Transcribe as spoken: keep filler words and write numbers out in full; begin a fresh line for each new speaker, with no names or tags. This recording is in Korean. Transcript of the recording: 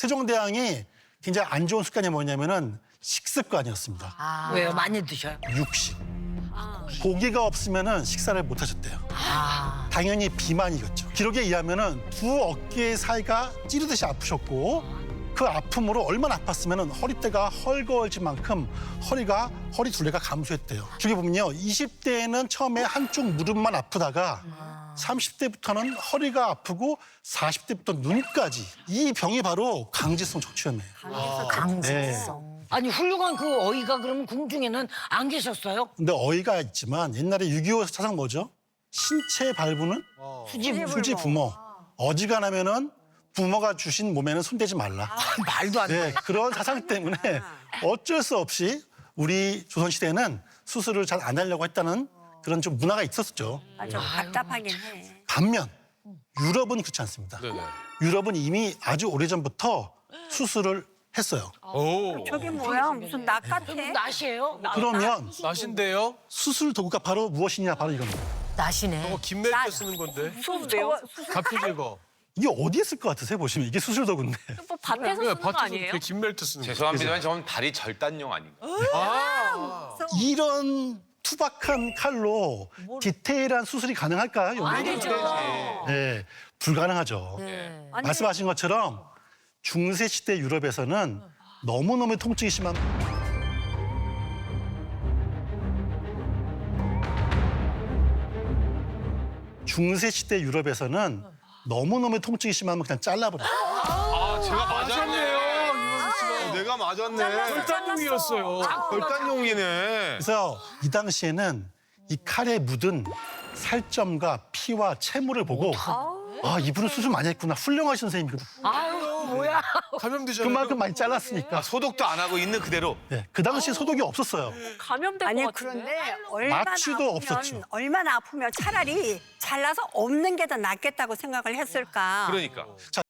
세종대왕이 굉장히 안 좋은 습관이 뭐냐면은 식습관이었습니다.
아. 왜요? 많이 드셔요?
육식. 고기가 없으면은 식사를 못 하셨대요.
아.
당연히 비만이겠죠. 기록에 의하면은 두 어깨 사이가 찌르듯이 아프셨고 그 아픔으로 얼마나 아팠으면은 허리대가 헐거워질 만큼 허리가 허리 둘레가 감소했대요. 저기 보면요, 이십 대에는 처음에 한쪽 무릎만 아프다가 삼십 대부터는 허리가 아프고 사십 대부터 눈까지. 이 병이 바로 강제성 척추염이에요.
강제성. 아니 훌륭한 그 어이가 그러면 궁중에는 안 계셨어요?
근데 어이가 있지만 옛날에 육이오 사상 뭐죠? 신체 발부는
수지
수지 부모. 어지간하면은 부모가 주신 몸에는 손대지 말라.
말도 안 돼.
네, 그런 사상 때문에 어쩔 수 없이 우리 조선시대에는 수술을 잘 안 하려고 했다는 그런 좀 문화가 있었죠.
아, 좀 답답하긴 해.
반면 유럽은 그렇지 않습니다.
네네.
유럽은 이미 아주 오래전부터 수술을 했어요.
오.
저게 뭐야? 무슨 낙 같아?
낫이에요?
그러면
나신데요?
수술 도구가 바로 무엇이냐, 바로 이겁니다.
낫이네.
어, 김멜 때 쓰는 건데.
무서운데요?
가표 제거.
이게 어디에 쓸 것 같으세요, 보시면? 이게 수술 도구인데.
뭐 밭에서
네,
쓰는 거
밭에서
아니에요?
그 김멜 때 쓰는 거.
죄송합니다만 저건 다리 절단용 아닌가?
아.
이런 투박한 칼로 디테일한 수술이 가능할까요? 용도가?
아니죠.
네, 불가능하죠.
네.
아니,
말씀하신 것처럼 중세시대 유럽에서는 너무너무 통증이 심한 중세시대 유럽에서는 너무너무 통증이 심하면 그냥 잘라버려요.
아, 제가 맞았네요. 어, 내가 맞았네.
절단용이었어요.
절단용이네.
그래서 이 당시에는 이 칼에 묻은 살점과 피와 채물을 보고 아, 이분은 수술 많이 했구나. 훌륭하신 선생님이거든.
아유 뭐야.
감염되잖아요.
그만큼 많이 잘랐으니까.
아, 소독도 안 하고 있는 그대로.
네, 그 당시 소독이 없었어요.
감염될
아니
것 같은데.
그런데 얼마나
마취도
아프면
없었죠.
얼마나 아프면 차라리 잘라서 없는 게 더 낫겠다고 생각을 했을까?
그러니까.